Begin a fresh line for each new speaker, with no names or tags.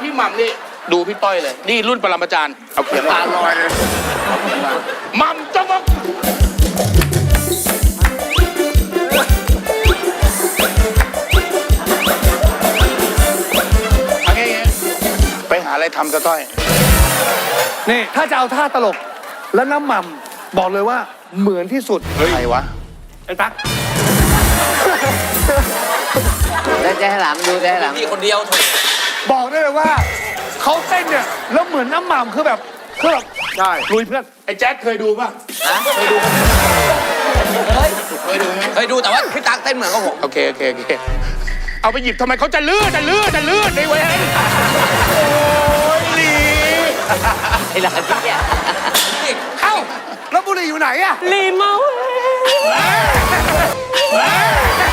พี่หม่ำนี่ดูพี่ต้อยเลยนี่รุ่นปรมาจารย์เอาเขียนตาลอยเลยหม่ำจ้องไปหาอะไรทำซะต้อย
นี่ถ้าจะเอาท่าตลกแล้วน้ำหม่ำบอกเลยว่าเหมือนที่สุด
ใครวะ
ไอ้ตั๊ก
แล้วจะให้หลามดูจะให้หลามมีคนเดียว
บอกได้เลยว่าเขาเต้นเนี่ยแล้วเหมือนน้ำหม่ำคือแบบ
ใช่
ลุยเพื่อน
ไอ้แจ๊คเคยดูป่ะ
เคยดู
เคยดู
แต่ว่าพี่ตั๊กเต้นเหมือนกับผม
โอเคเอาไปหยิบทำไมเขาจะลื่นในเว้ยโอ้ยลี
ไอ้หลานพี่เนี่ย
เอ้าแล้วบุหรี่อยู่ไหนอะ
ลีเมา